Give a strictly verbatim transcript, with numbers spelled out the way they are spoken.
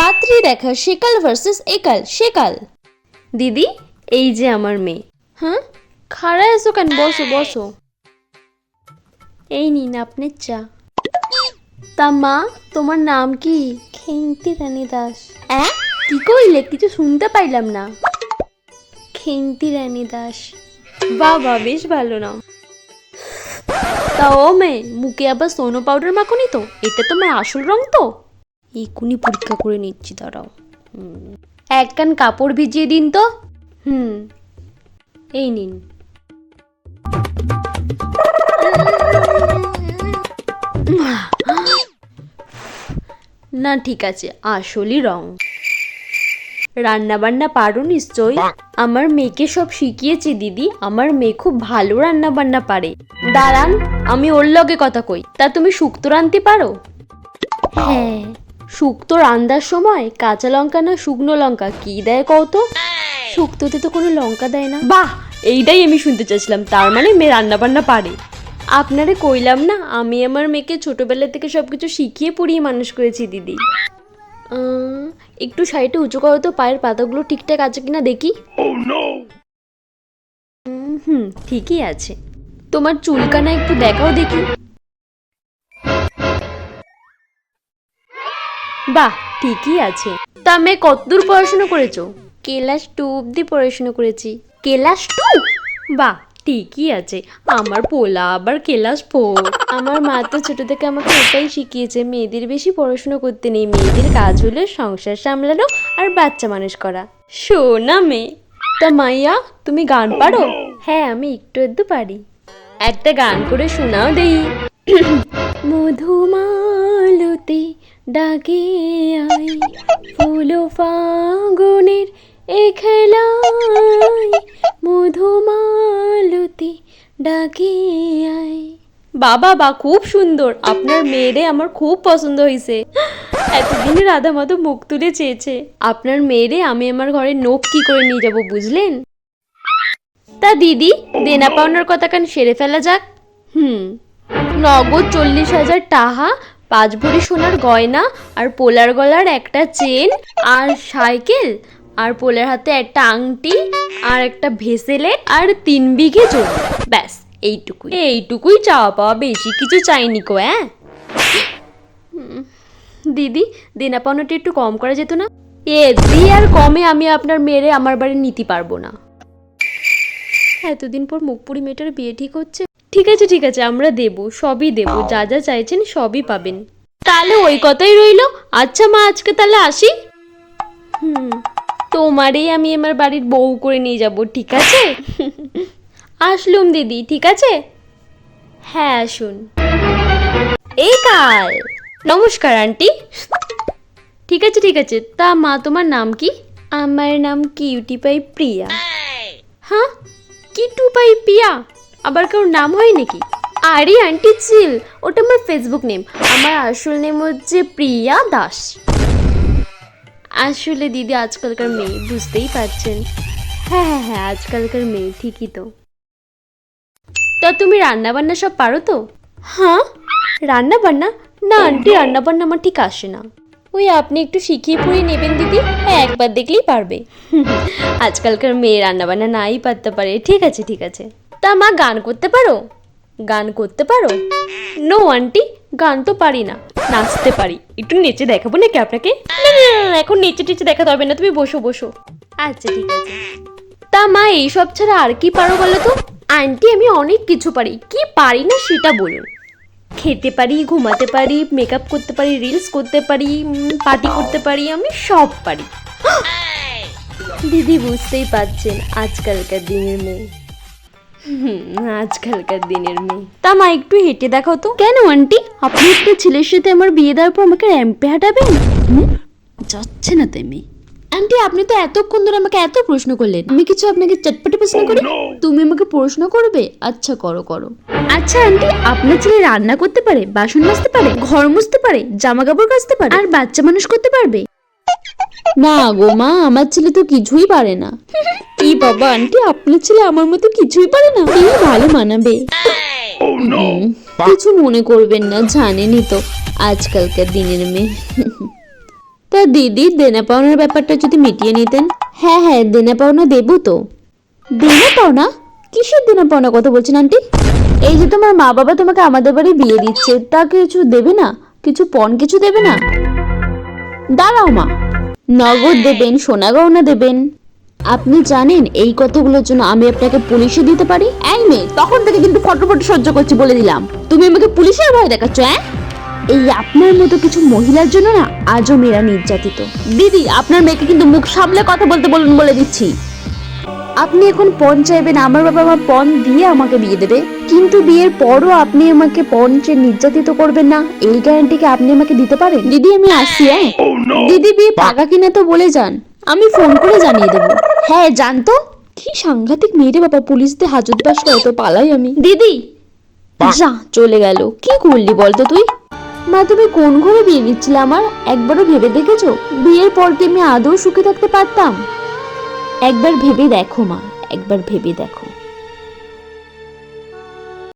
রাত্রি দেখা সেকাল ভার্সেস একাল সেকাল। দিদি এই যে আমার মেয়ে। হ্যাঁ খাড়ায় আছো কেন, বসো বসো। এই নিন আপনার চা। তা মা তোমার নাম কি? খেন্তি রানী দাস। অ্যাঁ কি কইলে, কিছু শুনতে পাইলাম না। খেন্তি রানী দাস। বাবা বেশ ভালো নাম। তা ও মেয়ে, মুখে আবার সোনো পাউডার মাখনি তো? এটা তোমার আসল রং তো? এক্ষুনি পরীক্ষা করে নিচ্ছি, দাঁড়াও। এক কান কাপড় ভিজিয়ে দিন তো। হুম এই নিন। না ঠিক আছে, আসলই রং। রান্না বান্না পারো নিশ্চয়ই? আমার মেয়েকে সব শিখিয়েছি দিদি, আমার মেয়ে খুব ভালো রান্না বান্না পারে। দাঁড়ান আমি ওর লগে কথা কই। তা তুমি শুক্তো রাঁধতে পারো? হ্যাঁ। শুক্তো রান্নার সময় কাঁচা লঙ্কা না শুকনো লঙ্কা কি দেয় কত? শুক্তোতে তো কোনো লঙ্কা দেয় না। বাহ, এইটাই আমি শুনতে চাইছিলাম, তার মানে মেয়ে রান্না বান্না পারে। আপনারে কইলাম না, আমি আমার মেয়েকে ছোটবেলা থেকে সবকিছু শিখিয়ে পড়িয়ে মানুষ করেছি দিদি। একটু সাইডে উঁচু করো তো, পায়ের পাতাগুলো ঠিকঠাক আছে কিনা দেখি। হুম ঠিকই আছে। তোমার চুলকানা একটু দেখাও দেখি। বাহ ঠিকই আছে। তা মেয়ে কতদূর পড়াশোনা করেছো? ক্লাস টু অব্দি পড়াশোনা করেছি। Class two? বাহ ঠিকই আছে। আমার পোলা আবার ক্লাস ফোর। আমার মা তো ছোট থেকে আমাকে এটাই শিখিয়েছে, মেয়েদের বেশি পড়াশোনা করতে নেই, মেয়েদের কাজ হলো সংসার সামলানো আর বাচ্চা মানুষ করা। শোনা মেয়ে। তা মাইয়া তুমি গান পারো? হ্যাঁ আমি একটু একটু পারি। একটা গান করে শোনাও দেই। মধুমালতি ডাকে আই, ফুল ফাগুনের এ খেলায়, মধুমালতি ডাকে আই। বাবা বা খুব সুন্দর, আপনার মেয়েরে আমার খুব পছন্দ হয়েছে। এতদিনে রাধা মাধব মুখ তুলে চেয়েছে। আপনার মেয়েরে আমি আমার ঘরে নোখ কি করে নিয়ে যাব বুঝলেন? তা দিদি দেনা পাওনার কথা কান সেরে ফেলা যাক। হুম নগদ চল্লিশ হাজার টাকা, পাঁচ ভরি সোনার গয়না, আর পোলার গলার একটা চেন, আর সাইকেল, আর পোলার হাতে একটা আংটি, আর একটা ভেসেলেট, আর তিন বিঘে জমি। ব্যাস এইটুকুই। এইটুকুই চাওয়া পাওয়া, বেশি কিছু চাইনি কো। হ্যাঁ দিদি দেনা পাওনাটা একটু কম করা যেত না? এ দি আর কমে আমি আপনার মেয়েরে আমার বাড়ি নিতে পারবো না। এতদিন পর মুখপুরি মেয়েটার বিয়ে ঠিক হচ্ছে। ঠিক আছে ঠিক আছে, আমরা দেব, সবই দেব, যা যা চাইছেন সবই পাবেন। তাহলে ওই কথাই রইল। আচ্ছা মা আজকে তাহলে আসি। হুম তোমারই আমি আমার বাড়ির বউ করে নিয়ে যাব, ঠিক আছে? আসলুম দিদি, ঠিক আছে? হ্যাঁ আসুন। এই কাল নমস্কার আন্টি। ঠিক আছে ঠিক আছে। তা মা তোমার নাম কি? আমার নাম কিউটি পাই প্রিয়া। হ্যাঁ কিটু পাই প্রিয়া, আবার কারোর নাম হয় নাকি? আরে আন্টি চিল, ওটা আমার ফেসবুক নেম। আমার আসল নেম হচ্ছে প্রিয়া দাস। আসলে দিদি আজকালকার মেয়ে, বুঝতেই পারছেন। হ্যাঁ হ্যাঁ হ্যাঁ আজকালকার মেয়ে, ঠিকই তো। তা তুমি রান্না বান্না সব পারো তো? হ্যাঁ রান্না বান্না? না আন্টি রান্না বান্না আমার ঠিক আসে না। ওই আপনি একটু শিখিয়ে পড়িয়ে নেবেন দিদি, হ্যাঁ একবার দেখলেই পারবে। আজকালকার মেয়ে রান্না বান্না নাই পারতে পারে। ঠিক আছে ঠিক আছে। তা মা গান করতে পারো? গান করতে পারো? নো আন্টি গান তো পারি না, নাচতে পারি। একটু নেচে দেখাবো নাকি আপনাকে? না না না এখন নেচে টেচে দেখাতে হবে না, তুমি বসো বসো। আচ্ছা ঠিক আছে। তা মা এইসব ছাড়া আর কি পারো বলো তো? আন্টি আমি অনেক কিছু পারি, কি পারি না সেটা বলুন। খেতে পারি, ঘুমাতে পারি, মেকআপ করতে পারি, রিলস করতে পারি, পার্টি করতে পারি, আমি সব পারি। দিদি বুঝতেই পারছেন আজকালকার দিনের মেয়ে। হুম আজকালকার দিনের মেয়ে। তা মা একটু হেঁটে দেখাও তো। কেন আন্টি, আপনি একটা ছেলের সাথে আমার বিয়ে দেওয়ার পর আমাকে র্যাম্পে হাঁটাবেন? যাচ্ছে না তাই মেয়ে। আন্টি আপনি তো এতক্ষণ ধরে আমাকে এত প্রশ্ন করলেন, আমি কিছু আপনাকে চটপটে প্রশ্ন করি? তুমি আমাকে প্রশ্ন করবে? আচ্ছা করো করো। আচ্ছা আন্টি আপনার ছেলে রান্না করতে পারে, বাসন মাজতে পারে, ঘর মুছতে পারে, জামা কাপড় কাচতে পারে, আর বাচ্চা মানুষ করতে পারবে? না গো মা, আমার ছেলে তো কিছুই পারে না। কি বাবা আন্টি, আপনার ছেলে আমার মতো কিছুই পারে না? কি ভালো মানাবে। কিছু মনে করবেন না, জানেনই তো আজকালকার দিনের মেয়ে। তা দিদি দেনা পাওনার ব্যাপারটা যদি মিটিয়ে নিতেন। হ্যাঁ হ্যাঁ দেনা পাওনা দেবো তো। দেনা পাওনা? কিসের দেনা পাওনা কথা বলছেন আন্টি? এই যে তোমার মা বাবা তোমাকে আমাদের বাড়ি বিয়ে দিচ্ছে, তা কিছু দেবে না? কিছু পণ কিছু দেবে না? দাঁড়াও মা, নগদ দেবেন, সোনা গয়না দেবেন? আপনি জানেন এই কথাগুলোর জন্য আমি আপনাকে পুলিশে দিতে পারি। এই মেয়ে, তখন থেকে কিন্তু ফটো ফটো সহ্য করছি বলে দিলাম। তুমি আমাকে পুলিশের ভয় দেখাচ্ছ? হ্যাঁ, এই আপনার মতো কিছু মহিলার জন্য না আজও মেয়েরা নির্যাতিত। দিদি আপনার মেয়েকে কিন্তু মুখ সামলে কথা বলতে বলুন বলে দিচ্ছি। আপনি এখন পণ চাইবেন, আমার বাবা মা পণ দিয়ে আমাকে বিয়ে দেবে, কিন্তু বিয়ের পরও আপনি আমাকে পণ চেয়ে নির্যাতিত করবেন না, এই গ্যারান্টি কি আপনি আমাকে দিতে পারেন? দিদি আমি আসছি। হ্যাঁ দিদি, বিয়ে পাকা কিনা তো বলে যান, আমি ফোন করে জানিয়ে দেবো। হ্যাঁ জানতো, কি সাংঘাতিক মেয়েরে বাবা, পুলিশদের হাজত বাস করে তো পালাই আমি। দিদি যা, চলে গেল। কি করলি বলতো তুই? মা তুমি কোন ঘরে বিয়ে দিচ্ছিলে আমার, একবারও ভেবে দেখেছো বিয়ের পর কি আমি আদৌ সুখে থাকতে পারতাম? একবার ভেবে দেখো মা, একবার ভেবে দেখো।